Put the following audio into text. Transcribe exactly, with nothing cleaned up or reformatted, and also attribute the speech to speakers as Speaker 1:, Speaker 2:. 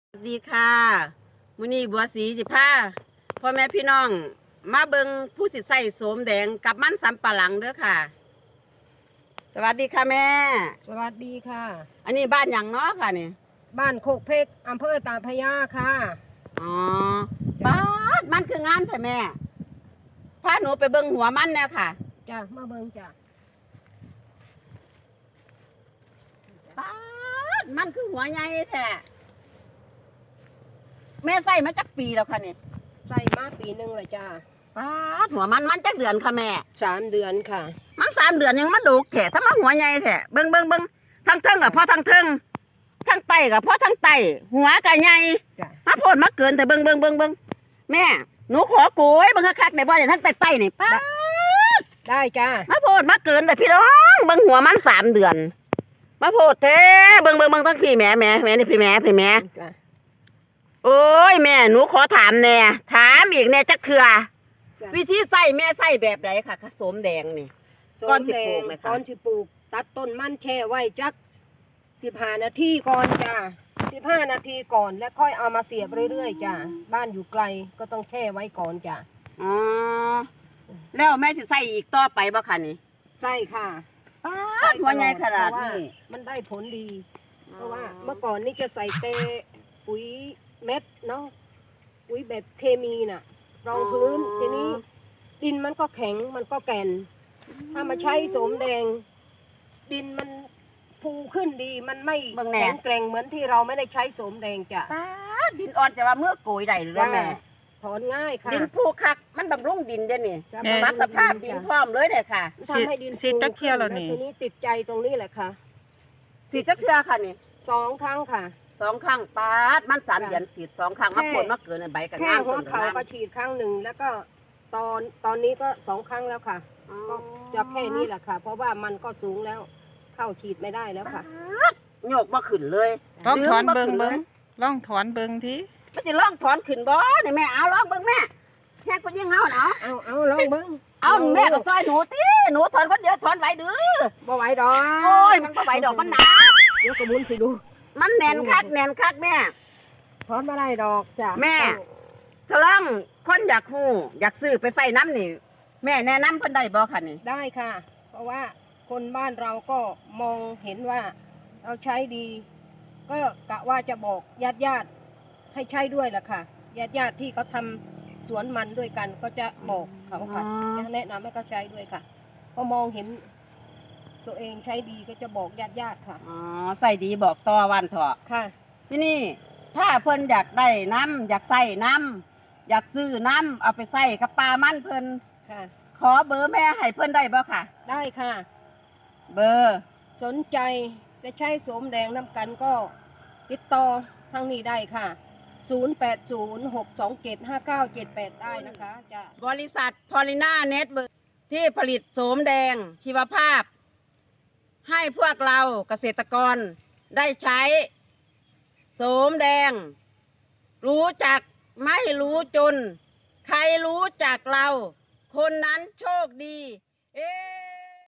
Speaker 1: สวัสดีค่ะมื้อนี้บัวสีสิพาพ่อแม่พี่น้องมาเบิงผู้สิใส่โสมแดงกับมันสำปะหลังเด้อค่ะ สวัสดีค่ะแม่
Speaker 2: สวัสดีค่ะ
Speaker 1: อันนี้บ้านหยังเนาะค่ะนี่
Speaker 2: บ้านโคกเพกอำเภอตาพระยาค่ะ
Speaker 1: อ๋อบ้านมันคืองามใช่แม่พาหนูไปเบิงหัวมันแน่ค่ะ
Speaker 2: จ้ะมาเบิ่งจ้ะ
Speaker 1: บ้านมันคือหัวใหญ่แท้แม่ใส่มาจักปีแล้วค่ะนี่
Speaker 2: ใส่มาปีหนึ่งเลยจ้ะ
Speaker 1: บ้านหัวมันมันจักเดือนค่ะแม่
Speaker 2: สามเดือนค่ะ
Speaker 1: มันสามเดือนยังมันดุแท้ถ้ามาหัวใหญ่แท้เบิ่งเบิ่งเบิ่งทั้งเทิงกับพ่อทั้งเทิงทั้งไตกับพ่อทั้งไตหัวกับใหญ่
Speaker 2: จ้ะ
Speaker 1: มาโพดมาเกินแต่เบิ่งเบิ่งเบิ่งเบิ่งแม่หนูขอโกยเบิ่งคักๆในบ่เนี่ยทั้งไตไตนี่ป้าด
Speaker 2: ได้จ้ะ
Speaker 1: มาโพดมาเกินแต่พี่น้องเบิ่งหัวมันสามเดือน มาโพดแท้เบิ่งเบิ่งเบิ่งทั้งพี่แม่แม่แม่นี่พี่แม่พี่แม่
Speaker 2: จ้ะ
Speaker 1: โอ้ยแม่หนูขอถามแน่ถามอีกแน่จักเทื่อ
Speaker 2: จ้ะ
Speaker 1: วิธีใส่แม่ใส่แบบไหนค่ะผสมแดงนี่ ก้อนสิปลูกไหมคะ
Speaker 2: ก้อนสิปลูก ตัดต้นมันแช่ไว้จักสิบห้านาทีก่อนจ้ะสิบห้านาทีก่อนแล้วค่อยเอามาเสียบเรื่อยๆจ้ะบ้านอยู่ไกลก็ต้องแช่ไว้ก่อนจ้ะ
Speaker 1: อ๋อแล้วแม่จะใส่อีกต่อไปบ่คะนี่
Speaker 2: ใช่ค่ะ
Speaker 1: ป้าดหัวใหญ่ขนาดนี้
Speaker 2: เพระว่มันได้ผลดี เพราะว่าเมื่อก่อนนี่จะใส่เตปุ๋ยเม็ดเนาะปุ๋ยแบบเคมีน่ะ รองพื้นทีนี้ดินมันก็แข็งมันก็แก่น ถ้ามาใช้โสมแดง ดินมันฟูขึ้นดีมันไม่
Speaker 1: เบิ่งแน่
Speaker 2: แข็งแกร่งเหมือนที่เราไม่ได้ใช้โสมแดงจ้ะ
Speaker 1: ป้าดดินอ่อนจะว่าเมื่อโกยได้หรือว่าแม่
Speaker 2: ถอนง่ายค่ะ
Speaker 1: ดินผูคักมันบำรุงดินเด้อนี่
Speaker 2: จะ
Speaker 3: แม่
Speaker 1: ปรับสภาพดินพร้อมเลยเด้อค่ะ
Speaker 2: ทำให้ดิน
Speaker 3: สิ
Speaker 2: ฟู
Speaker 3: ตักเที่ยวแล้วนี่
Speaker 2: ทีนี้ติดใจตรงนี้แหละค่ะ
Speaker 1: สีจักเทื่อค่ะนี่
Speaker 2: สองครั้งค่ะ
Speaker 1: สองครั้งป้าดมันสาม
Speaker 2: จ้ะ
Speaker 1: เดือนสีดสองครั้ง
Speaker 2: แค่
Speaker 1: มาโผลมาเกินในใบกัน
Speaker 2: แค่
Speaker 1: งาม
Speaker 2: หัว
Speaker 1: ต้น
Speaker 2: เข่าก็ฉีดครั้งหนึ่งแล้วก็ตอนตอนนี้ก็สองครั้งแล้วค่ะ ก็จะแค่นี้แหละค่ะ เพราะว่ามันก็สูงแล้ว เข้าฉีดไม่ได้แล้วค่ะ
Speaker 1: โยกมาขึ้นเลย
Speaker 3: ลองถอน
Speaker 1: ดึ
Speaker 3: เบิง
Speaker 1: ขึ้
Speaker 3: เบิง
Speaker 1: ลย
Speaker 3: ลองถอนเบิงที
Speaker 1: มันจะลองถอนขึ้นบ่นี่แม่เอาลองเบิ่งแม่แค่คนยิ่งเอาเอา
Speaker 2: เอาเอาลองเบิ้ง
Speaker 1: เอาแม่ก็ซอยหนูติหนูถอนคนเดียวถอนไหวดื้อ
Speaker 2: บ่ไหวดอก
Speaker 1: โอ้ยมันบ่ไหวดอกมันหนา
Speaker 2: เดี๋ยวกระมุนสิดู
Speaker 1: มันแน่นคักแน่นคักแม่
Speaker 2: ถอนมาได้ดอกจ้ะ
Speaker 1: แม่ ถ้าลองคนอยากฮู้อยากซื้อไปใส่น้ำนี่ แม่แนะนำเพิ่นได้บ่คะนี่
Speaker 2: ได้ค่ะ เพราะว่าคนบ้านเราก็มองเห็นว่าเราใช้ดี ก็กะว่าจะบอกญาติญาติๆให้ใช้ด้วยล่ะค่ะญาติญาติๆที่เขาทำสวนมันด้วยกันก็จะบอกเขาค่ะจะแนะนำให้เขาใช้ด้วยค่ะพอมองเห็น ตัวเองใช้ดีก็จะบอกญาติญาติๆค่ะ
Speaker 1: อ๋อใส่ดีบอกต่อวันเถอะ
Speaker 2: ค่ะ
Speaker 1: ที่นี่ ถ้าเพิ่นอยากได้น้ำอยากใส่น้ำอยากซื้อน้ำเอาไปใส่กับปลามันเพิ่น
Speaker 2: ค่ะ
Speaker 1: ขอเบอร์แม่ให้เพิ่นได้บ่ค่ะ
Speaker 2: ได้ค่ะ
Speaker 1: เบอร์
Speaker 2: สนใจจะใช้โสมแดงน้ำกันก็ติดต่อทางนี้ได้ค่ะ ศูนย์ แปด ศูนย์ หก สอง เจ็ด ห้า เก้า เจ็ด แปด ได้นะคะจะ
Speaker 1: บริษัทพอลิน่าเน็ตเวิร์ที่ผลิตโสมแดงชีวภาพ ให้พวกเราเกษตรกรได้ใช้โสมแดง รู้จักไม่รู้จน ใครรู้จักเรา คนนั้นโชคดี เอ๊